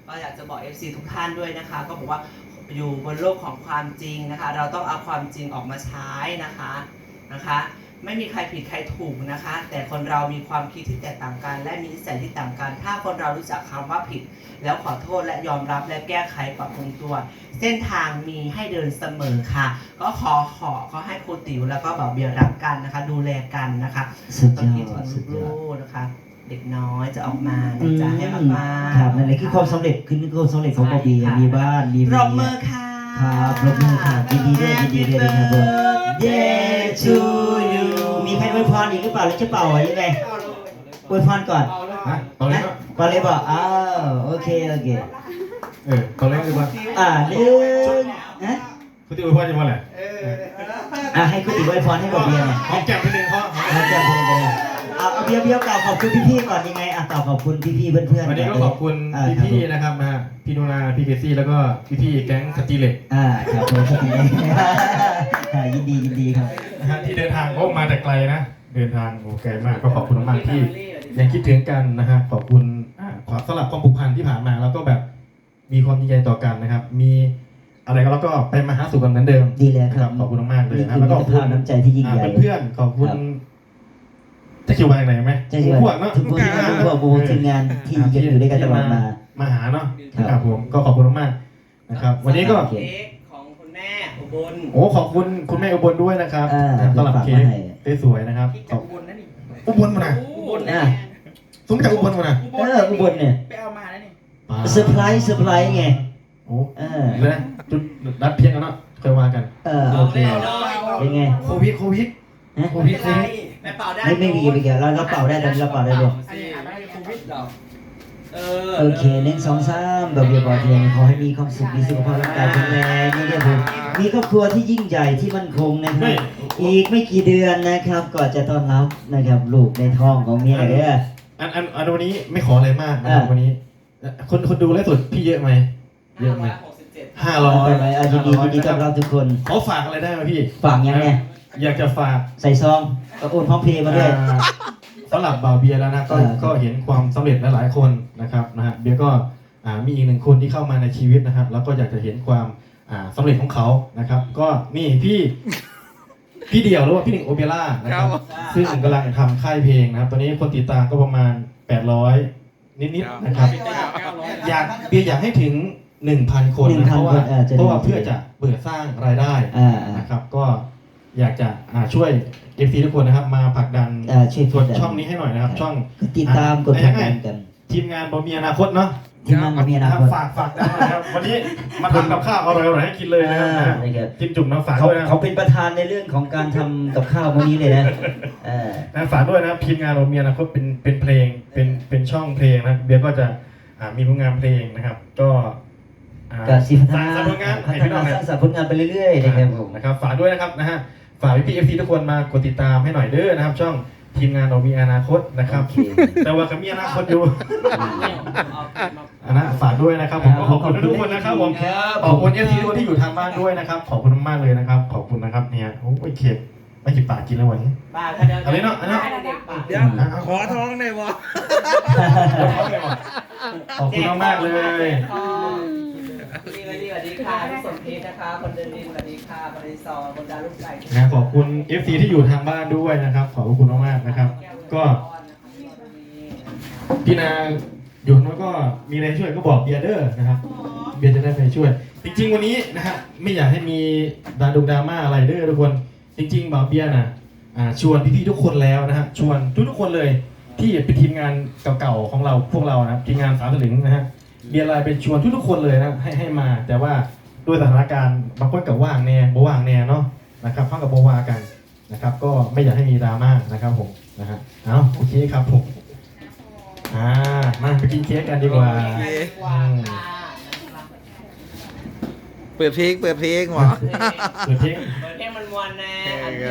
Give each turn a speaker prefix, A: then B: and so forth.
A: ก็อยากจะบอก FC ทุกท่านด้วยนะคะก็บอกว่าอยู่บนโลกของความจริงนะคะเราต้องเอาความจริงออกมาใช้นะคะไม่มีใครผิดใครถูกนะคะแต่คนเรามีความคิดที่แตกต่างกันและมีนิสัยที่ต่างกันถ้าคนเรารู้จักคำว่าผิดแล้วขอโทษและยอมรับและแก้ไขปรับปรุงตัวเส้นทางมีให้เดินเสมอค่ะก็ขอให้ครูติ๋วแล้วก็บ่าวเบียร์รักกันนะคะดูแลกันนะคะต้องคิดถึงลูกๆนะคะเด็กน้อยจะออกมาจะให้ออกมา
B: ครับนั่นแหละคือความสำเร็จคือความสำเร็จของบ่าวเบียร์มีบ้านมี
A: ป
B: เมี
A: ร
B: ย
A: บมือค่ะ
B: ครับปรบมือค่ะยินดีด้วยนะครับผม Day to you มีใครอวยพรอีกหรือเปล่าหรือจะเป่ายังไงอวยพรก่อน
C: ตอนนี้ก็
B: ก่อนเลยบอกอ้าวโอเค
C: ตอนแรกดีกว่า
B: หนึ่งนะ
C: คุณที่อวยพรจะมาแหละ
B: ให้คุณติ๋วอวยพรให้บ่าวเบียร์หน่อย
C: หอมแก้มนิดนึงเขา
B: เอาเบียร์กล่าวขอบคุณพี่ๆก่อนยังไงกล่าวขอบคุณพี่ๆเพื่อนๆ
C: วันนี้ก็ขอบคุณพี่ๆนะครับนะพี่นุนาพี่เคซี่แล้วก็พี่ๆแก๊งสตีเล็ก
B: ครับผมสตีเล็กยินดีครับ
C: นะฮะที่เดินทางก็มาแต่ไกลนะเดินทางโอ้ไกลมากก็ขอบคุณมากที่ยังคิดถึงกันนะฮะขอบคุณสำหรับความผูกพันที่ผ่านมาแล้วก็แบบมีความดีใจต่อกันนะครับมีอะไรก็แล้วก็ไปมาหาสู่กันเหมือนเดิม
B: ดีแล้วครับ
C: ขอบคุณมากเลย
B: นี่
C: นะ
B: คือ
C: แล้วก็
B: มิตรภาพน้ำใจที่ยิ่งใหญ่
C: เพื่อนๆขอบคุณจะคิวไปไหนไหม
B: ใช่ใช่
C: พวกเนาะ
B: ทุกพวกทีมงานที่ยังอยู่ด้วยกันตลอดมา
C: หาเนาะครับผมก็ขอบคุณมากนะครับ วันนี้ก็
A: เค้กของคุณแม่อุบล
C: โอ้ขอบคุณคุณแม่อุบลด้วยนะครับสำหรับเค้กสวยๆนะครับ
A: ที่จากอุบลนั่นนี่
C: อุบลมานะ
A: อุบลนะ
C: สมจากอุบลมานะ
B: อุบลเนี่ย
A: ไปเอามาแล้วนี่
B: เซอร์ไพรส์ไง
C: โอ้แล้วจุดนัดเพียงกันเนาะเคยว่ากัน
B: โอเคเป็นไง
C: โควิด
A: โควิดแม่เป่าได้
B: ไม่มีไปเกี่ยวเราเป่าได้เลยเราเป่าได้เลย
A: อันนี้ไม่โควิดหรอก
B: โอเค1 2 3แบบเบียร์บอเทียนขอให้มีความสุขมีสุขภาพร่างกายแข็งแรงนี่เนี่ยผมมีครอบครัวที่ยิ่งใหญ่ที่มั่นคงนะครับอีกไม่กี่เดือนนะครับก่อนจะต้อนรับนะครับลูกในท้องของเมียเด้อ
C: อันวันนี้ไม่ขออะไรมากนะครับวันนี้คนดูไลฟ์สดพี่เยอะไหมเยอะไหม500
B: ไปไหมยินดีต้อนรับทุกคน
C: เขาฝากอะไรได้ไหมพี่
B: ฝากยังไง
C: อยากจะฝาก
B: ใส่ซองก็โอนพร้อมเพย์มาด้วย
C: สำหรับบ่าวเบียร์แล้วนะก็เห็นความสำเร็จหลายๆคนนะครับนะฮะเบียร์ก็มีอีกหนึ่งคนที่เข้ามาในชีวิตนะครับแล้วก็อยากจะเห็นความสำเร็จของเขานะครับ ก็นี่พี่เดี่ยวหรือว่าพี่หนึ่งโอเปร่านะครับซึ่งกำลังทำค่ายเพลงนะครับตอนนี้คนติดตามก็ประมาณ800นิดๆนะครับเบียร์อยากให้ถึง 1,000 คนนะเพราะว่าเพื่อจะเปิดสร้างรายได้นะครับก็อยากจะช่วย FC ทุกคนนะครับมาผลักดันช่องนี้ให้หน่อยนะครับช่อง
B: ติดตามกดผลักดันกัน
C: ทีมงานบ่มีอนาคตเนาะ
B: ทีมงานบ่มีอนาคต
C: ฝากได้นะครับวันนี้มาทำกับข้าวอร่อยๆให้กินเลยนะครับจิ้มจุ่มน้ำฝากด้วยนะ
B: เขาเป็นประธานในเรื่องของการทำกับข้าววันนี้เลยนะ
C: ฝากด้วยนะครับทีมงานบ่มีอนาคตเป็นเพลงเป็นช่องเพลงนะเบียร์ก็จะมีผลงานเพลงนะครับก็
B: การสิพัฒนา
C: สร้างผลงาน
B: สร้างผลงานไปเรื่อยๆนะครับผม
C: นะครับฝากด้วยนะครับนะฮะฝากพี่ๆ FC ทุกคนมากดติดตามให้หน่อยเด้อนะครับช่องทีมงานเรามีอนาคตนะครับแต่ว่าก็มีอนาคตอยู่นะฝากด้วยนะครับผมขอบคุณทุกคนนะครับผมขอบคุณ FC ทุกคนที่อยู่ทางบ้านด้วยนะครับขอบคุณมากเลยนะครับขอบคุณนะครับเนี่ยโอ้ยเข็ดไม่จิบปากกินแล้ววันนี้อะไรเนาะอันนั้น
D: เดี๋ยวขอท้องหน่อยวะ
C: ขอบคุณมากเลย
A: สวัสดีค่ะพี่สมพิษนะคะคนเดินดินสวัสดีค่ะบริซอคนดาลูกไก่
C: นะขอบคุณ FC ที่อยู่ทางบ้านด้วยนะครับขอบคุณมากๆนะครับก็พี่นาอยู่นู้นก็มีอะไรช่วยก็บอกเบียร์เดอร์นะครับเบียร์จะได้ไปช่วยจริงๆวันนี้นะฮะไม่อยากให้มีดราม่าอะไรเด้อทุกคนจริงๆบอกเบียร์นะชวนพี่ๆทุกคนแล้วนะฮะชวนทุกคนเลยที่เป็นทีมงานเก่าๆของเราพวกเรานะทีมงานสามสลึงนะฮะเบียร์ไลน์เป็นชวนทุกคนเลยนะให้มาแต่ว่าด้วยสถานการณ์บางคนกับว่างแน่บ่ว่างแน่เนาะนะครับเข้ากับโบวากันนะครับก็ไม่อยากให้มีดราม่านะครับผมนะฮะเอาโอเคครับผมมาไปกินเค้กกันดีกว่า
D: เปิดเพลงหรอ
C: เปิดเพลง
A: มันมวนแน่